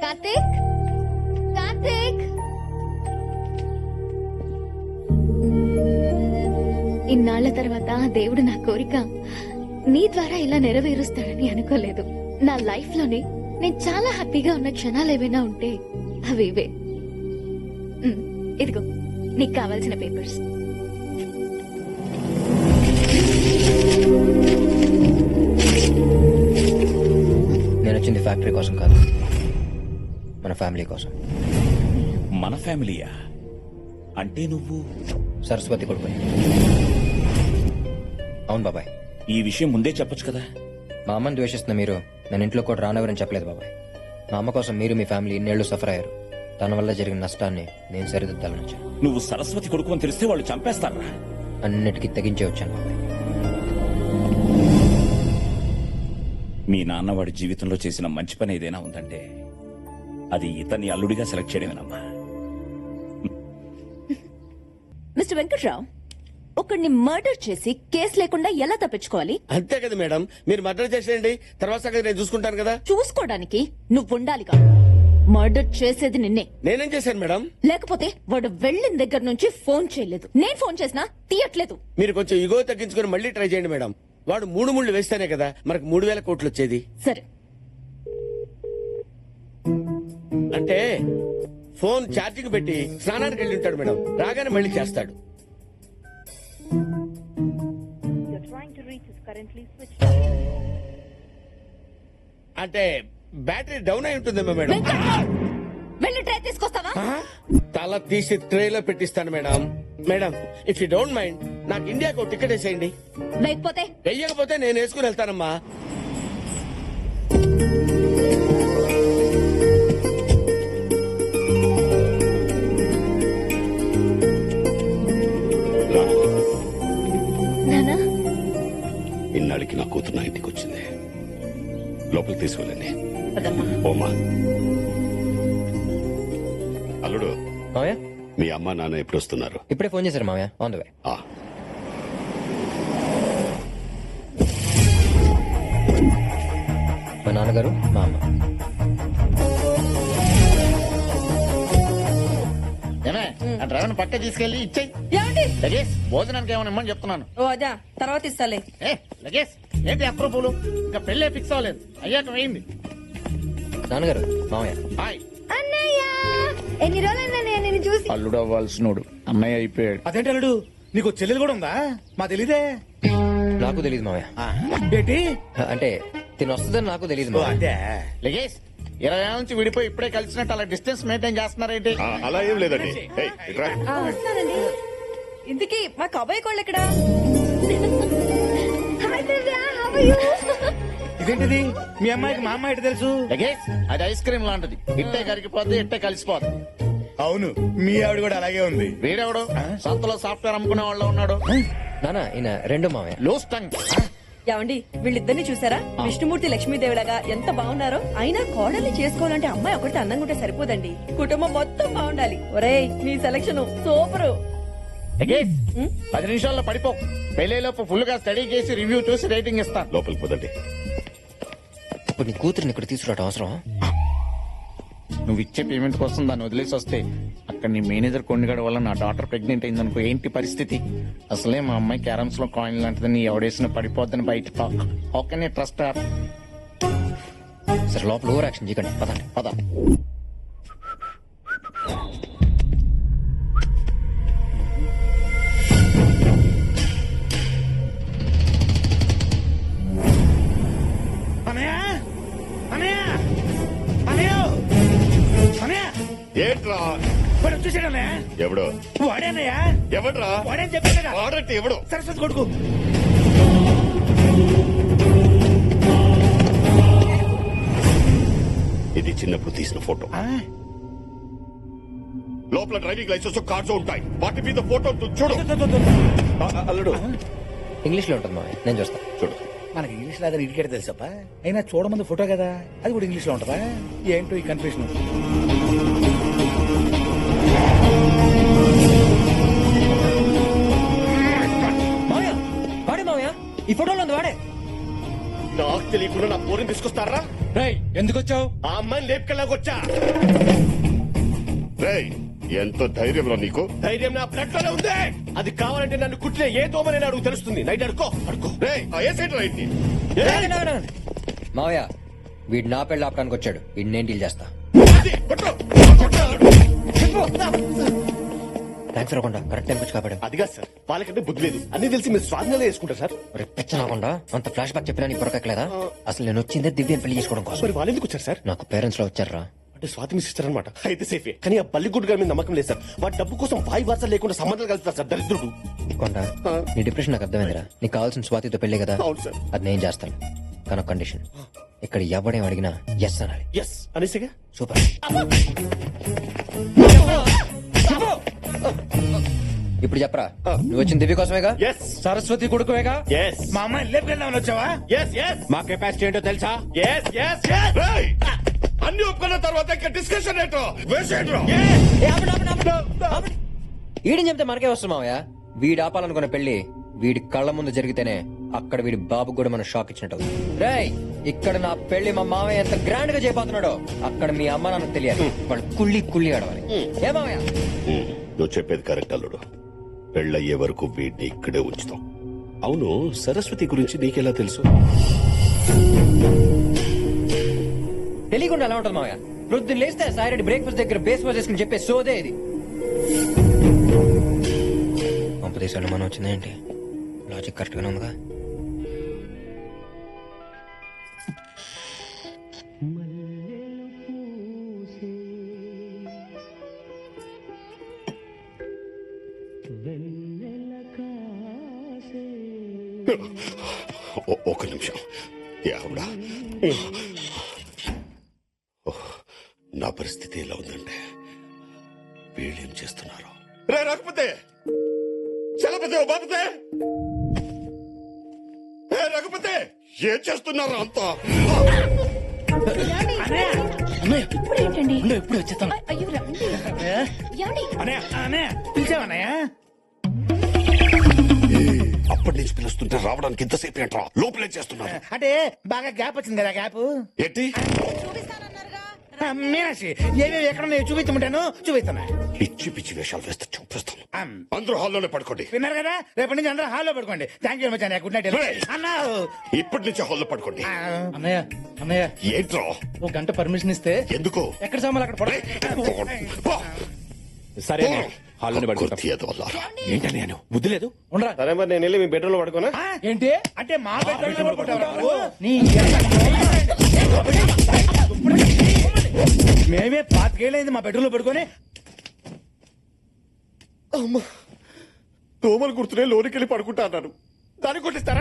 కార్తీక్, కార్తీక్, ఇన్నాళ్ల తర్వాత దేవుడు నా కోరిక నీ ద్వారా ఇలా నెరవేరుస్తాడని అనుకోలేదు. నా లైఫ్ లోనే నేను చాలా హ్యాపీగా ఉన్న క్షణాలు ఏవైనా ఉంటే అవి ఇవే. ఇదిగో నీకు కావాల్సిన పేపర్స్. నేను వచ్చింది ఫ్యాక్టరీ కోసం కాదు, మన ఫ్యామిలీ కోసం. మన ఫ్యామిలీయా? అంటే నువ్వు సరస్వతి కొడుకు. అవును బాబాయ్. ఈ విషయం ముందే చెప్పొచ్చు కదా. మా అమ్మని ద్వేషిస్తున్న మీరు నన్ను ఇంట్లో కూడా రానవరని చెప్పలేదు బాబాయ్. మా అమ్మ కోసం మీరు మీ ఫ్యామిలీ ఇన్నేళ్లు సఫర్ అయ్యారు. తన వల్ల జరిగిన నష్టాన్ని నేను సరిదిద్దాలని వచ్చాను. నువ్వు సరస్వతి కొడుకు అని తెలిస్తే వాళ్ళు చంపేస్తారా? అన్నిటికీ తెగించే వచ్చాను బాబాయ్. మీ నాన్న వాడి జీవితంలో చేసిన మంచి పని ఏదైనా ఉందంటే అది ఇతన్ని అల్లుడిగా సెలెక్ట్ చేయడమేనమ్మా. మిస్టర్ వెంకట్రావు, ఒకడిని మర్డర్ చేసి కేసు లేకుండా ఎలా తప్పించుకోవాలి? అంతే కదా మేడం, మీరు మర్డర్ చేసేయండి, తర్వాత సంగతి నేను చూసుకుంటాను కదా. చూసుకోవడానికి నువ్వు ఉండాలిగా. మర్డర్ చేసేది నిన్నే. నేనేం చేశాను మేడం? లేకపోతే వాడు వెళ్ళిన దగ్గర నుంచి ఫోన్ చేయలేదు. నేను ఫోన్ చేసినా తీయట్లేదు. మీరు కొంచెం ఇగో తగ్గించుకొని మళ్ళీ ట్రై చేయండి మేడం. వాడు 3 ముళ్ళు వేస్తేనే కదా మనకు 3,000 కోట్లు వచ్చేది. సరే, అంటే ఫోన్ ఛార్జింగ్ పెట్టి స్నానానికి వెళ్ళి ఉంటాడు మేడం, రాగానే మళ్ళీ చేస్తాడు. అంటే బ్యాటరీ డౌన్ అయి ఉంటుందేమో మేడం. వెంకట్రావు, వెళ్ళి ట్రై తీసుకొస్తావా? తల తీసి ట్రేలో పెట్టిస్తాను madam. Madam, if you don't mind నాకు ఇండియాకు ఒక టికెట్ వేసేయండి. లేకపోతే వెయ్యకపోతే నేను వేసుకుని వెళ్తానమ్మా. నానా, ఇన్నాళ్ళకి నా కూతురు నా ఇంటికి వచ్చింది. లోపలికి తీసుకెళ్ళండి. ఓమా, అల్లుడు, మావయ్య మీ అమ్మ నాన్న ఎప్పుడు వస్తున్నారు? ఇప్పుడే ఫోన్ చేశారు మావయ్య, ఆన్ ద వే. ఆ, మా నాన్నగారు, మా అమ్మ. డ్రైవర్ పక్క తీసుకెళ్లి ఇచ్చేయి. ఏమండి? లగేజ్ భోజనానికి ఏమైనా ఇమ్మని చెప్తున్నాను. ఓ అదా, తర్వాత ఇస్తాలే. లగేజ్ ఏంటి అప్రూపులు? ఇంకా పెళ్ళే ఫిక్స్ అవ్వలేదు, అయ్యాక వేయింది. నాన్నగారు, మావయ్య. హాయ్ అన్నయ్య, ఎన్ని రోజులైనా నేను చూసి. అల్లుడు అవ్వాల్సినోడు అన్నయ్య అయిపోయాడు. అదేంటి అల్లుడు, నీకు చెల్లెలు కూడా ఉందా? మా తెలీదే. నాకు తెలియదు మావయ్య. ఏంటి అంటే తిని వస్తుందని నాకు తెలియదు ఓ, మావయ్య. అదే లగేజ్ 20 ఏళ్ళ నుంచి విడిపోయి ఇప్పుడే కలిసినట్టు అలా డిస్టెన్స్ మెయింటైన్ చేస్తున్నారేంటి? ఆ, అలా ఏం లేదండి. ఏయ్, ఇట్రా. ఇంతకీ మా కబాయి కోళ్ళు ఎక్కడా? Hi Divya, how are you? ఇదేంటిది? మీ అమ్మాయికి మా అమ్మాయి ఎటు తెలుసు? లగేజ్ అది ఐస్ క్రీమ్ లాంటిది, ఇట్టే కరిగిపోద్ది, ఇట్టే కలిసిపోద్ది. అవును, మీ ఆవిడ కూడా అలాగే ఉంది. వీడెవడు సంతలో సాఫ్ట్వేర్ అమ్ముకునే వాళ్ళు ఉన్నాడు? నాన్న, ఈయన రెండు మావయ్య. Loose tongue. ఏమండి, వీళ్ళిద్దరిని చూసారా? విష్ణుమూర్తి లక్ష్మీదేవిలాగా ఎంత బాగున్నారో. అయినా కోడల్ని చేసుకోవాలంటే అమ్మాయి ఒకటి అందంగా ఉంటే సరిపోదండి, కుటుంబం మొత్తం బాగుండాలి. ఒరేయ్, నీ సెలక్షన్ సూపరు. లగేజ్ 10 నిమిషాల్లో పడిపో. పెళ్లిలోపు ఫుల్ గా స్టడీ చేసి రివ్యూ చూసి రేటింగ్ ఇస్తాను. లోపలికి పోదండి. ఇప్పుడు నీ కూతురిని ఇక్కడ తీసుకురావడం అవసరం? నువ్వు ఇచ్చే పేమెంట్ కోసం దాన్ని వదిలేసి వస్తే అక్కడ నీ మేనేజర్ కొండగడ వల్ల నా డాటర్ ప్రెగ్నెంట్ అయిందనుకో, ఏంటి పరిస్థితి? అసలే మా అమ్మాయి క్యారమ్స్ లో కాయిన్ లాంటిది, నీ ఎవడేసిన పడిపోద్దని బయట talk. How can I trust her? సరే, లోపల ఓవర్ యాక్షన్ చేయకండి, పదండి. పద. అనయ్య, అనయ్య, అనయ్య, అనయ్య, ఏంట్రా? వాడు వచ్చేసాడు అన్నయ్య. ఎవడు? వాడేనయ్య. ఎవడ్రా? వాడేని చెప్పాను కదా. వాడంటే ఎవడు? సరస్వతి కొడుకు. ఇది చిన్నప్పుడు తీసిన ఫోటో. లోపల డ్రైవింగ్ లైసెన్స్ కార్డ్స్ ఉంటాయి, వాటి మీద ఫోటో చూడు. అల్లుడు, ఇంగ్లీష్ లో ఉంటుంది మావయ్య, నేను చూస్తా. చూడు. మనకి ఇంగ్లీష్ లాగా ఇడికేట తెలుసప్ప. అయినా చూడమంది ఫోటో కదా, అది కూడా ఇంగ్లీష్ లో ఉంటదా? ఏంటో ఈ కన్ఫ్యూషన్. మావయ్య, వాడే మావయ్య, ఈ ఫోటోలో ఉంది వాడే. నాకు తెలియకుండా నా పోరిని తీసుకొస్తారా? ఎందుకు వచ్చావు? ఆ అమ్మాయిని లేపుకెళ్ళాకొచ్చా. రేయ్, ఎంత ధైర్యం రా నీకు? ధైర్యం నా బ్లడ్ లోనే ఉంది. అది కావాలంటే నన్ను కుట్టిన ఏ దోమనే నాకు తెలుస్తుంది. నైట్ అడుకో అడుకో. రేయ్, ఏ సైడ్ రా ఇంటి? మావయ్య వీడు నా పెళ్ళి ఆపడానికి వచ్చాడు. వీడిని నేను డీల్ చేస్తా. అది, కొట్టు. థ్యాంక్స్ రాకుండా కరెక్ట్ టైం వచ్చి కాపాడు. అదిగా సార్, వాళ్ళకంటే బుద్ధి లేదు. అన్ని తెలిసి మీరు స్వాధీనంలో వేసుకుంటారు సార్. పిచ్చ రాకుండా అంత ఫ్లాష్ బ్యాక్ చెప్పినా నీకు పొరకట్లేదా? అసలు నేను వచ్చిందే దివ్యని పెళ్లి చేసుకోవడం కోసం. మరి వాళ్ళు ఎందుకు వచ్చారు సార్? నాకు పేరెంట్స్ లో వచ్చారా? అంటే స్వాతి మీ సిస్టర్ అనమాట. అయితే సేఫే. కానీ ఆ బల్లిగుడ్డు గారి మీద నమ్మకం లేదు సార్. వాడి డబ్బు కోసం వాయి వార్త లేకుండా సంబంధాలు కలుపుతారు సార్, దరిద్రుడు. కొండ నీ డిప్రెషన్ నాకు అర్థమైందిరా. నీకు కావాల్సిన స్వాతితో పెళ్లి కదా. అవును సార్. అది నేను చేస్తాను కానీ కండిషన్. ఇక్కడ ఎవడేం అడిగినా ఎస్ అనాలి. ఎస్ అనేసిగా. సూపర్. ఇప్పుడు చెప్పరా, నువ్వు వచ్చిన దివ్య కోసమేగా? ఎస్ సరస్వతి కొడుకువేగా? ఎస్ మా అమ్మాయిని లేపుకెళ్దామని వచ్చావా? ఎస్ ఎస్ మా కెపాసిటీ ఏంటో తెలుసా? Yes yes yes. రేయ్, అన్ని ఒప్పుకున్న తర్వాత ఇంకా డిస్కషన్ ఏంటో వేసేయండిరా. వీడిని చెప్తే మనకే వస్తుంది మావయ్య. వీడు ఆపాలనుకున్న పెళ్లి వీడి కళ్ళ ముందు జరిగితేనే అక్కడ వీడి బాబు కూడా మనం షాక్ ఇచ్చినట్టు. రేయ్, ఇక్కడ నా పెళ్లి మా మావయ్య ఎంత గ్రాండ్ గా చేయబోతున్నాడో అక్కడ మీ అమ్మ నాన్నకు తెలియాలి. వాళ్ళు కుళ్ళి కుళ్ళి ఆడవాలి. ఏ మావయ్య? నువ్వు చెప్పేది కరెక్ట్ అల్లుడు. పెళ్ళయ్యే వరకు వీడిని ఇక్కడే ఉంచుతాం. అవును, సరస్వతి గురించి నీకెలా తెలుసు? తెలియకుండా ఎలా ఉంటుంది మావయ్య? ప్రొద్దున లేస్తే సాయిరెడ్డి బ్రేక్ఫాస్ట్ దగ్గర బేస్ వాష్ చేసుకుని చెప్పే సోదే ఇది. పంపదేశాలు మనం వచ్చిందేంటి? లాజిక్ కరెక్ట్ గానే ఉందిగా. ఒక నిమిషం. యావుడా, నా పరిస్థితి ఎలా ఉందంటే వీళ్ళేం చేస్తున్నారు? రే రఘుపతే, చలపతే, ఓ బాపతే, ఏ రఘుపతే, ఏం చేస్తున్నారు అంతా? ఎప్పుడు వచ్చేస్తాను. అయ్యో రండి. ఏమండి? అన్నయ్య పిలిచావన్నయ్య? అప్పటి నుంచి పిలుస్తుంటే రావడానికి ఇంతసేపు ఏంట్రా? లోపలే చేస్తున్నారు. అంటే బాగా గ్యాప్ వచ్చింది కదా. గ్యాప్ ఏంటి? మీనాక్షి, ఏమేమి ఎక్కడ చూపించమంటాను చూపిస్తున్నా. పిచ్చి పిచ్చి వేషాలు వేస్తే చూపిస్తాను. అందరూ హాల్లోనే పడుకోండి. విన్నారు కదా, రేపటి నుంచి అందరూ హాల్లో పడుకోండి. థ్యాంక్ యూ మచ్ అన్నయ్య. గుడ్ నైట్ అన్నా. ఇప్పటి నుంచి హాల్లో పడుకోండి. అన్నయ్య అన్నయ్య, ఏంట్రా? ఒక గంట పర్మిషన్ ఇస్తే ఎందుకు? ఎక్కడ సామాన్లు అక్కడ పడ. సరే హాల్లోనే పడుకుంటాం. ఏంటని నేను బుద్ధి లేదు. ఉండరా. సరే మరి నేను వెళ్ళి మీ బెడ్రూమ్ లో పడుకోనా? ఏంటి అంటే మా బెడ్రూమ్ పడుకుంటావు? నీ మేమే పాతికేళ్ళైంది మా బెడ్రూమ్ లో పడుకొని. దోమలు గుర్తునే లోనికి వెళ్ళి పడుకుంటా అన్నాడు. దాన్ని కొట్టిస్తారా?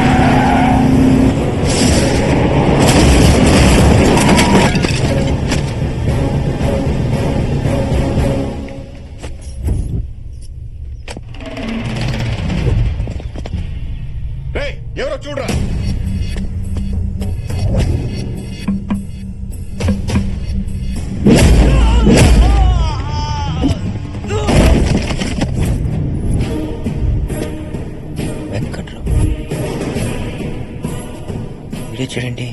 ఎవరో చూడరా. వెంకట్రావు వీడే చూడండి.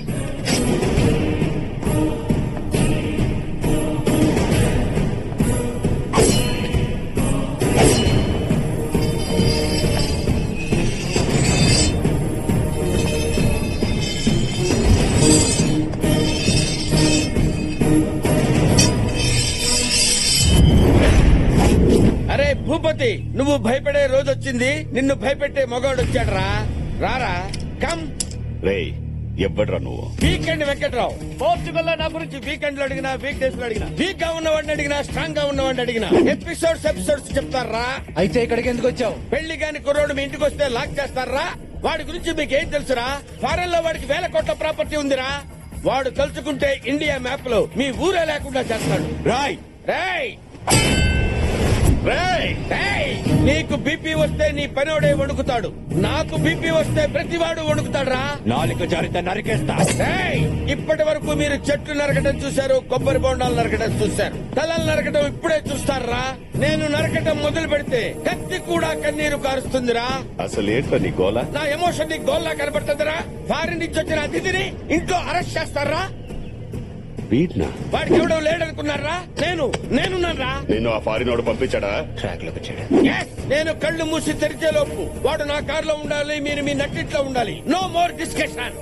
అరే భూపతి, నువ్వు భయపడే రోజు వచ్చింది. నిన్ను భయపెట్టే మగవాడు వచ్చాడు. రారా కమ్. రేయ్, ఎవ్వడ్రా నువ్వు? వీకెండ్ వెంకట్రావు. పోర్చుగల్ లో నా గురించి వీకెండ్ లో అడిగినా, వీక్ డేస్ లో అడిగినా, వీక్ గా ఉన్నవాడిని అడిగినా, స్ట్రాంగ్ గా ఉన్నవాడిని అడిగినా ఎపిసోడ్స్ చెప్తారా? అయితే ఇక్కడికి ఎందుకు వచ్చావు? పెళ్లి కాని కుర్రోడు మీ ఇంటికి వస్తే లాక్ చేస్తారా? వాడి గురించి మీకేం తెలుసురా? ఫారెన్ లో వాడికి 1000 కోట్ల ప్రాపర్టీ ఉందిరా. వాడు తలుచుకుంటే ఇండియా మ్యాప్ లో మీ ఊరే లేకుండా చేస్తాడు. రాయ్ రేయ్ రేయ్, రేయ్, నీకు బీపీ వస్తే నీ పనోడే వణుకుతాడు. నాకు బీపీ వస్తే ప్రతివాడు వణుకుతాడురా. నాలుగు జారితే నరికేస్తా. రేయ్, ఇప్పటి వరకు మీరు చెట్లు నరకడం చూశారు, కొబ్బరి బొండాలు నరకడం చూశారు, తలలు నరకడం ఇప్పుడే చూస్తారా? నేను నరకడం మొదలు పెడితే కత్తి కూడా కన్నీరు కారుస్తుందిరా. అసలు ఏంట్రా నీ గోల? నా ఎమోషన్ నీ గోల్లా కనబడుతుందిరా. ఫారిన్ నుంచి వచ్చిన అతిథిని ఇంట్లో అరెస్ట్ చేస్తారా? వీడ్నా? వాడికి ఎవడో లేడనుకున్నారా? నేనున్నారా? నిన్ను ఆ ఫారినోడు పంపించాడా? ట్రాక్ లోకి వచ్చాడు. Yes! నేను కళ్ళు మూసి తెరిచే లోపు వాడు నా కార్లో ఉండాలి, మీరు మీ నట్టిట్లో ఉండాలి. No more discussion.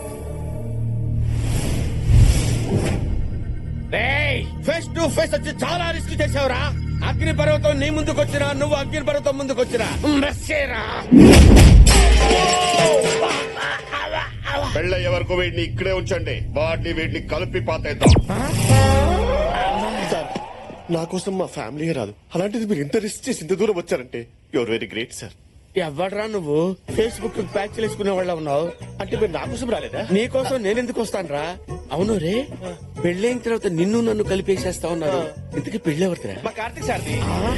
Face to face వచ్చి చాలా రిస్క్ చేసావురా. అగ్ని పర్వతం నీ ముందుకు వచ్చినా, నువ్వు అగ్ని పర్వతం ముందుకు వచ్చినా మెస్సేరా. పెళ్ళయ్యే వరకు వీడిని ఇక్కడే ఉంచండి. వీడిని కలిపి పాతేద్దాం. సార్ నా కోసం మా ఫ్యామిలీ రాదు, అలాంటిది మీరు ఇంత రిస్క్ చేసి ఇంత దూరం వచ్చారంటే యువర్ వెరీ గ్రేట్ సార్. ఎవడరా నువ్వు? ఫేస్బుక్ ప్యాచ్ చేసుకునే వాళ్ళ ఉన్నావు. అంటే మీరు నా కోసం రాలేదా? నీ కోసం నేనెందుకు వస్తానురా? అవును రే, పెళ్ళైన తర్వాత నిన్ను నన్ను కలిపేసేస్తా ఉన్నారు. ఇంతకీ పెళ్ళి ఎవరిదిరా? మా కార్తీక్ సార్ది.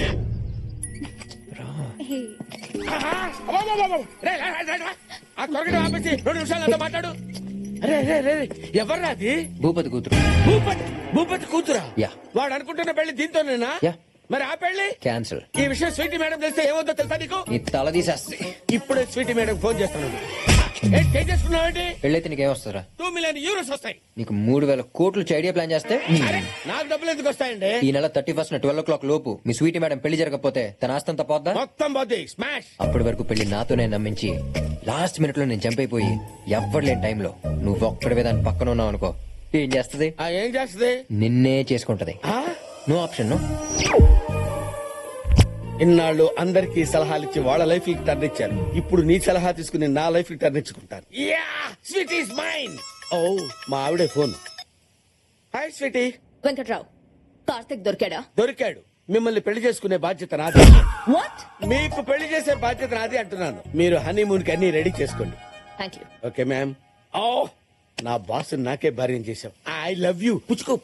ఆ త్వరగా ఆపేసి 2 నిమిషాలు అంతా మాట్లాడు. అరే రే రే రే, ఎవర్రా అది? భూపతి కూతురు. భూపతి కూతురా? యా. వాడు అనుకుంటున్న పెళ్లి దీంతోనేనా? యా. మరి ఆ పెళ్లి క్యాన్సిల్. ఈ విషయం స్వీటీ మేడం తెలిస్తే ఏమవుతుందో తెలుసా నీకు? నీ తల తీసేస్తే. ఇప్పుడే స్వీటీ మేడం ఫోన్ చేస్తున్నాడు. చేసుకున్నావేంటి? పెళ్ళైతే నీకేమొస్తారా? 2 మిలియన్ యూరోస్ వస్తాయి. నీకు 3,000 కోట్లు ఐడియా ప్లాన్ చేస్తే అరే, నాకు డబ్బులు ఎందుకు వస్తాయండి? ఈ నెల 31 12 o'clock లోపు మీ స్వీటీ మేడం పెళ్లి జరగకపోతే తన ఆస్తంతా పోద్దా? మొత్తం పోద్ది. స్మాష్. అప్పటి వరకు పెళ్లి నాతోనే నమ్మించి లాస్ట్ మినిట్ లో నేను చంపైపోయి ఎవ్వరు లేని టైంలో నువ్వు ఒక్కడివే దాని పక్కన ఉన్నావు అనుకో, ఏం చేస్తది? ఏం చేస్తుంది? నిన్నే చేసుకుంటది. No option. నో. ఇన్నాళ్ళు అందరికీ సలహాలు ఇచ్చి వాళ్ళ లైఫ్ కి టర్న్ ఇచ్చారు. ఇప్పుడు నీ సలహా తీసుకుని నా లైఫ్ కి టర్న్ ఇచ్చుకుంటాను. Sweet is mine. ఓ, మా ఆవిడే phone. Hi sweetie. Venkatrao, Karthik దొరికాడా? దొరికాడు. మిమ్మల్ని పెళ్లి చేసుకునే బాధ్యత నాది. వాట్? మీకు పెళ్లి చేసే బాధ్యత నాది అంటున్నాను. మీరు హనీమూన్ కి అన్ని రెడీ చేసుకోండి. Thank you. Okay ma'am. ఓ, నా బాస్ నాకే భార్యం చేశావు. I love you. పుచ్చుకో.